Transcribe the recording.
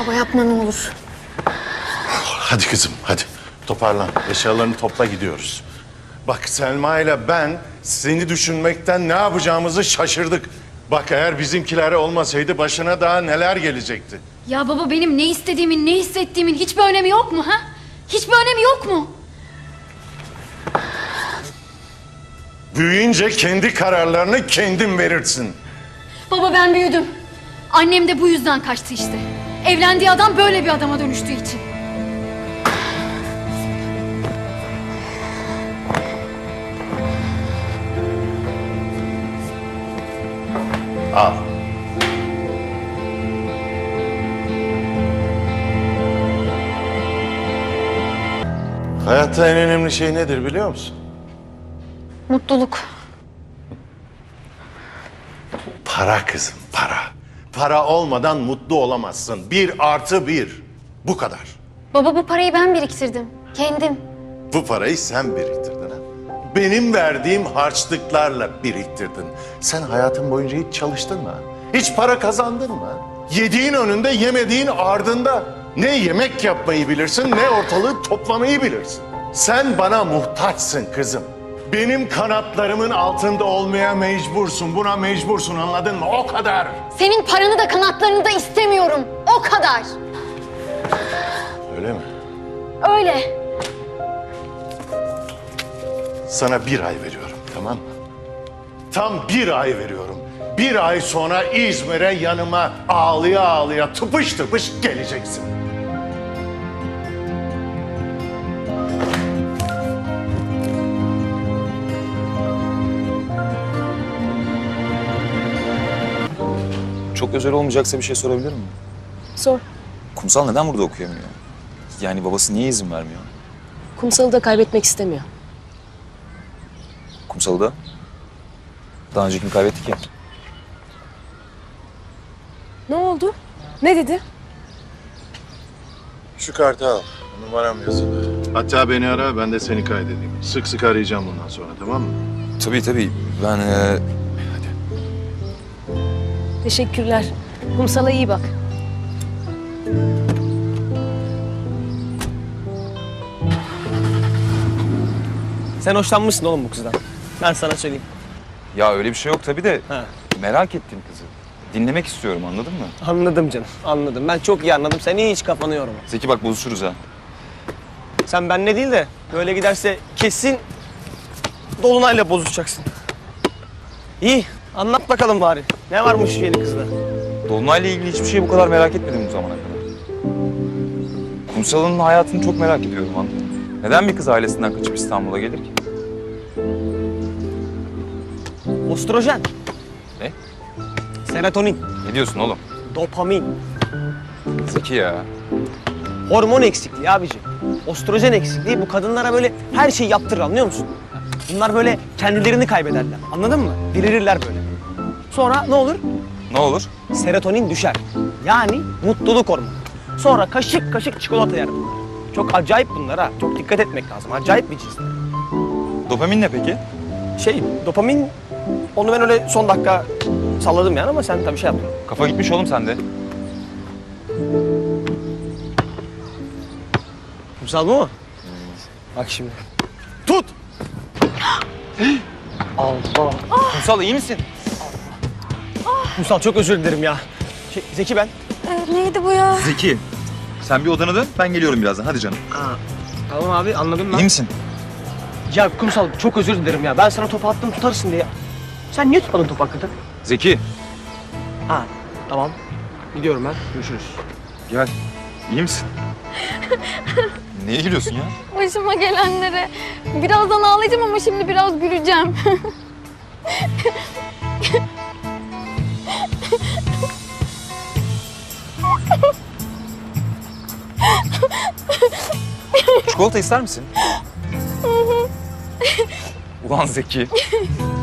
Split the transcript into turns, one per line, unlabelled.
Baba yapma ne olur.
Hadi kızım, hadi. Toparlan. Eşyalarını topla, gidiyoruz. Bak Selma ile ben seni düşünmekten ne yapacağımızı şaşırdık. Bak eğer bizimkiler olmasaydı başına daha neler gelecekti.
Ya baba benim ne istediğimin, ne hissettiğimin hiçbir önemi yok mu ha? Hiçbir önemi yok mu?
Büyüyünce kendi kararlarını kendin verirsin.
Baba ben büyüdüm. Annem de bu yüzden kaçtı işte. Evlendiği adam böyle bir adama dönüştüğü için.
Al. Hayatta en önemli şey nedir biliyor musun?
Mutluluk.
Para kızım, para. Para olmadan mutlu olamazsın. 1+1. Bu kadar.
Baba bu parayı ben biriktirdim. Kendim.
Bu parayı sen biriktirdin ha. Benim verdiğim harçlıklarla biriktirdin. Sen hayatın boyunca hiç çalıştın mı? Hiç para kazandın mı? Yediğin önünde, yemediğin ardında. Ne yemek yapmayı bilirsin, ne ortalığı toplamayı bilirsin. Sen bana muhtaçsın kızım. Benim kanatlarımın altında olmaya mecbursun. Buna mecbursun, anladın mı? O kadar.
Senin paranı da kanatlarını da istemiyorum. O kadar.
Öyle mi?
Öyle.
Sana 1 ay veriyorum, tamam mı? Tam 1 ay veriyorum. 1 ay sonra İzmir'e yanıma ağlıya ağlıya tıpış tıpış geleceksin.
Çok özel olmayacaksa bir şey sorabilir miyim?
Sor.
Kumsal neden burada okuyamıyor? Yani babası niye izin vermiyor?
Kumsal'ı da kaybetmek istemiyor.
Kumsal'ı da daha önce kim kaybettik ya?
Ne oldu? Ne dedi?
Şu kartı al. Numaram yazılı. Hatta beni ara, ben de seni kaydedeyim. Sık sık arayacağım bundan sonra, tamam mı?
Tabii. Ben
Teşekkürler. Kumsal'a iyi bak.
Sen hoşlanmışsın oğlum bu kızdan. Ben sana söyleyeyim.
ya öyle bir şey yok tabii de
Ha.
merak ettim kızı. Dinlemek istiyorum, anladın mı?
Anladım canım, anladım. Ben çok iyi anladım. Sen hiç kafanı yorma.
Zeki bak bozuşuruz ha.
Sen benle değil de böyle giderse kesin Dolunay'la bozuşacaksın. İyi, anlat bakalım bari. Ne varmış şu yeni kızda?
Dolunay'la ilgili hiçbir şeyi bu kadar merak etmedim bu zamana kadar. Kumsal'ın hayatını çok merak ediyorum, anladın mı? Neden bir kız ailesinden kaçıp İstanbul'a gelir ki?
Ostrojen,
Ne?
serotonin,
Ne diyorsun oğlum?
dopamin,
Zeki ya.
hormon eksikliği abici. Ostrojen eksikliği bu kadınlara böyle her şeyi yaptırır, anlıyor musun? Bunlar böyle kendilerini kaybederler, anladın mı? Delirirler böyle. Sonra ne olur?
Ne olur?
Serotonin düşer. Yani mutluluk hormonu. Sonra kaşık kaşık çikolata yer bunlar. Çok acayip bunlar ha. Çok dikkat etmek lazım. Acayip bir cinsler.
Dopamin ne peki?
Dopamin, onu ben öyle son dakika salladım yani ama sen tabii şey yaptın.
Kafa gitmiş oğlum sende.
Kumsal bu mu? Bak şimdi. Tut! Allah!
Kumsal iyi misin?
Kumsal çok özür dilerim ya. Zeki ben.
Neydi bu ya?
Zeki, sen bir odana dön, ben geliyorum birazdan. Hadi canım.
Tamam abi, anladım ben.
İyi misin?
Ya Kumsal çok özür dilerim ya. Ben sana topu attım tutarsın diye. Sen niye tutmadın topu hakikaten?
Zeki,
Ha, tamam. Gidiyorum ben. Görüşürüz.
gel. İyi misin? Niye gülüyorsun ya?
Başıma gelenlere. Birazdan ağlayacağım ama şimdi biraz güleceğim.
Çikolata ister misin? Ulan Zeki.